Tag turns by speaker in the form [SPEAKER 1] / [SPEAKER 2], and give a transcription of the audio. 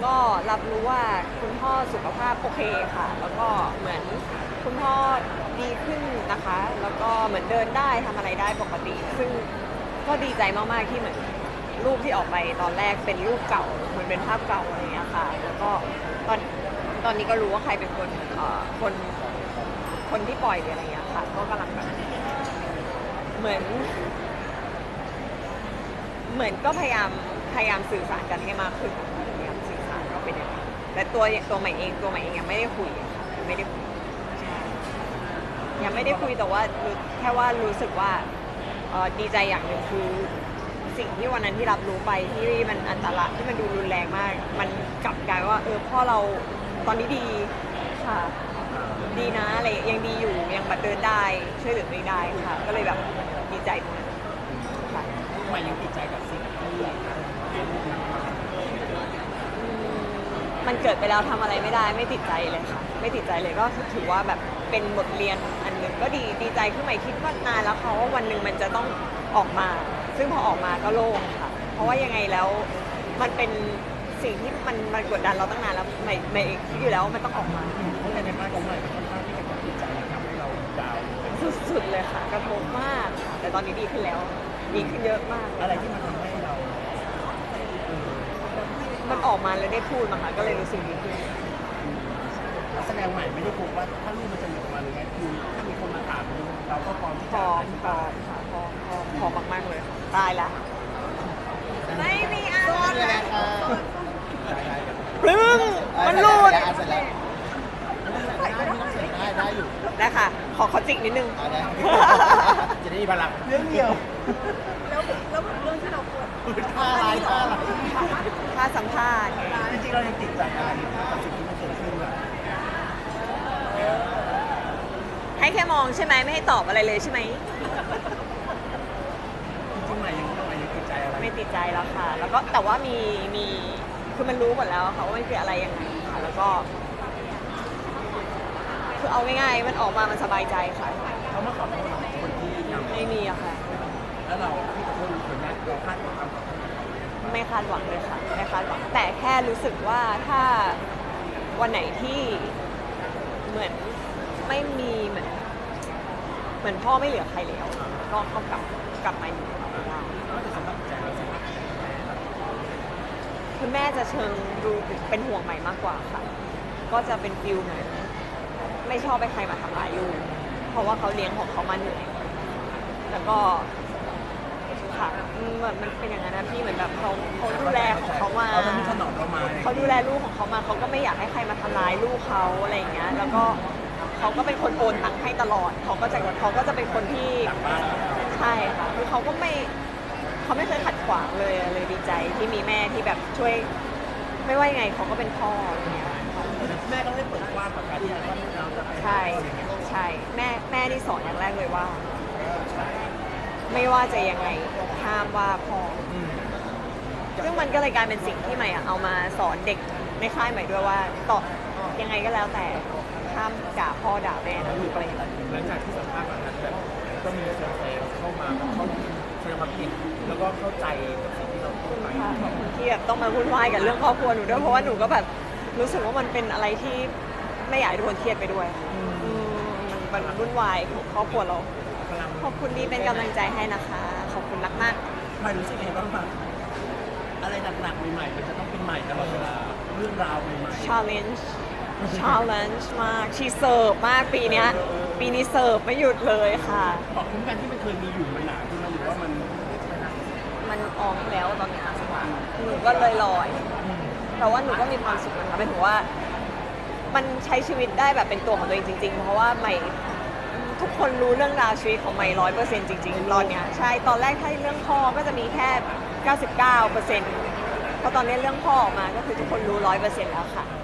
[SPEAKER 1] ก็รับรู้ว่าคุณพ่อสุขภาพโอเคค่ะแล้วก็เหมือนคุณพ่อดีขึ้นนะคะแล้วก็เหมือนเดินได้ทำอะไรได้ปกติซึ่งก็ดีใจมากๆที่เหมือนรูปที่ออกไปตอนแรกเป็นรูปเก่าเหมือนเป็นภาพเก่าอะไรอย่างเงี้ยค่ะแล้วก็ตอนตอนนี้ก็รู้ว่าใครเป็นคนคนคนที่ปล่อยหรืออะไรอย่างเงี้ยค่ะก็กำลังแบบเหมือน เหมือนก็พยายามสื่อสารกันให้มากขึ้นพยายามสื่อสารก็เป็นอย่างนั้นแต่ตัวใหม่เองยังไม่ได้คุยค่ะยังไม่ได้คุยใช่ยังไม่ได้คุยแต่ว่าแค่ว่ารู้สึกว่าดีใจอย่างหนึ่งคือสิ่งที่วันนั้นที่รับรู้ไปที่มันอันตรายที่มันดูรุนแรงมากมันกลับกลายว่าพ่อเราตอนนี้ดีค่ะดีนะอะไรยังดีอยู่ยังแบบเดินได้ช่วยเหลือตัวเองได้ค่ะก็เลยแบบดีใจตรงนั้นค่ะ
[SPEAKER 2] ทำไมยังติดใจกับสิ่งที่
[SPEAKER 1] มันเกิดไปแล้วทำอะไรไม่ได้ไม่ติดใจเลยค่ะไม่ติดใจเลยก็ถือว่าแบบเป็นบทเรียนอันหนึ่งก็ดีใจขึ้นใหม่คิดว่านานแล้วค่ะว่าวันหนึ่งมันจะต้องออกมา ซึ่งพอออกมาก็โล่งค่ะ เพราะว่ายังไงแล้วมันเป็นสิ่งที่มันกดดันเราตั้งนานแล้วไม่คิดอยู่แล้วว่ามันต้องออกมา
[SPEAKER 2] เพราะในบ้านของใหม่ค่อนข้างที่จะกับจิตใจทำให้เราดาวน์
[SPEAKER 1] สุดๆเลยค่ะกระทบมากค่ะแต่ตอนนี้ดีขึ้นแล้วดีขึ้นเยอะมาก
[SPEAKER 2] อะไรที่มันทำให้เรา
[SPEAKER 1] มันออกมาแล้วได้พูดมาค่ะก็เลยรู้สึกดีขึ้น
[SPEAKER 2] แสดงใหม่ไม่ได้กลัวว่าถ้าลูกมันจะหลุดมาหรือไงคือถ้ามีคนมาถามเราก็พร้อมที่
[SPEAKER 1] พ
[SPEAKER 2] จะ
[SPEAKER 1] ร้อ
[SPEAKER 2] อ
[SPEAKER 1] ม
[SPEAKER 2] ธิ
[SPEAKER 1] พร้
[SPEAKER 2] บา
[SPEAKER 1] อย มค่ะพร้อมมากๆเลยค่ะตายละไม่มีอะไรปึ้งมันหลุด
[SPEAKER 2] ได้อยู่
[SPEAKER 1] ได้ค่ะ ขอจิกนิดนึง
[SPEAKER 2] จะได้มีพลังเรื่องเดียว
[SPEAKER 3] แล้วเรื่องที่เราควร
[SPEAKER 2] ท่าอะไรท่าอะไร
[SPEAKER 1] ถ้าสัมภาษณ์ไง
[SPEAKER 2] จริงๆเรายังติดใจอะไรกับสิ่งที่มันเกิดขึ้นอะ
[SPEAKER 1] ให้แค่มองใช่ไหมไม่ให้ตอบอะไรเลยใช่ไหม
[SPEAKER 2] จริงๆใหม่ยังติดใจอะไร
[SPEAKER 1] ไม่ติดใจแล้วค่ะ แล้วก็แต่ว่ามีคือมันรู้หมดแล้วค่ะว่ามันคืออะไรยังไงค่ะ แล้วก็ คือเอาง่ายๆมันออกมามันสบายใจค่ะ
[SPEAKER 2] เขามาขอโทษเราคนที่ทำ
[SPEAKER 1] ไม่มีอะค่ะ
[SPEAKER 2] แล้วเราที่ขอโทษคนนั้นเราคาดหวังความขอโทษ
[SPEAKER 1] ไม่คาดหวังเลยค่ะไม่คาดหวังแต่แค่รู้สึกว่าถ้าวันไหนที่เหมือนไม่มีเหมือนพ่อไม่เหลือใครแล้วก็กลับมาอยู่กับเราได้
[SPEAKER 2] นอกจากสำหรับใจเราสำหรับ
[SPEAKER 1] คุณแม่จะเชิงดูเป็นห่วงใหม่มากกว่าค่ะ ก็จะเป็นฟิลเหมือนไม่ชอบให้ใครมาทำร้ายลูกเพราะว่าเขาเลี้ยงของเขามาเหนื่อยแล้วก็ค่ะเหมือนมันเป็นอย่างนั้นนะพี่เหมือนแบบเขาดูแลของเขามา
[SPEAKER 2] เขาทำที่ถนอมเรามา
[SPEAKER 1] เขาดูแลลูกของเขามาเขาก็ไม่อยากให้ใครมาทำร้ายลูกเขาอะไรอย่างเงี้ยแล้วก็เขาก็เป็นคนโอนตังค์ให้ตลอดเขาก็จะเป็นคนที่
[SPEAKER 2] หลังบ้าน
[SPEAKER 1] ใช่ค่ะคือเขาไม่เคยขัดขวางเลยดีใจที่มีแม่ที่แบบช่วยไม่ว่ายังไงเขาก็เป็นพ่ออย่างเงี้ย
[SPEAKER 2] แม่ก็ได้เปิดกว้างกับการที่เราจะไป
[SPEAKER 1] ใช่แม่ที่สอนอย่างแรกเลยว่า ไม่ว่าจะยังไงห้ามว่าพ่อซึ่งมันก็เลยกลายเป็นสิ่งที่ใหม่อะเอามาสอนเด็กในค่ายใหม่ด้วยว่าต่อยังไงก็แล้วแต่ห้ามด่าพ่อด่าแม่นะลูกอะไรอย่างเงี้ย
[SPEAKER 2] หลังจากที่สัมภาษณ์แบบนั้นแบบก็มีแฟนๆเข้ามาเขาแสดงความคิดแล้วก็เข้าใจกับสิ่งที่เราพูดไป
[SPEAKER 1] ขอบคุณที่แบบต้องมาวุ่นวายกับเรื่องครอบครัวหนูด้วยเพราะว่าหนูก็แบบรู้สึกว่ามันเป็นอะไรที่ไม่อยากให้ทุกคนเครียดไปด้วยมันวุ่นวายของครอบครัวเรา ขอบคุณที่เป็นกำลังใจให้นะคะ ขอบคุณมาก
[SPEAKER 2] ใหม่รู้สึกยังไงบ้างคะอะไรหนักๆใหม่ๆมันจะต้องเป็นใหม่ตลอดเวลาเรื่องราวใหม่
[SPEAKER 1] ๆ challenge มากชีเสิร์ฟมากปีเนี้ยปีนี้เสิร์ฟไม่หยุดเลยค่ะ
[SPEAKER 2] ๆบอกคุ้มกันที่มันเคยมีอยู่มันหนาขึ้นมาหรือว่ามัน
[SPEAKER 1] มันออกแล้วตอนเนี้ยหนูก็เลยลอยแต่ว่าหนูก็มีความสุขนะคะหมายถึงว่า มันใช้ชีวิตได้แบบเป็นตัวของตัวเองจริงๆ เพราะว่าใหม่ทุกคนรู้เรื่องราวชีวิตของใหม่100%จริงๆ ตอนเนี้ยใช่ตอนแรกถ้าเรื่องพ่อก็จะมีแค่ 99%เพราะตอนนี้เรื่องพ่อออกมาก็คือทุกคนรู้100%แล้วค่ะ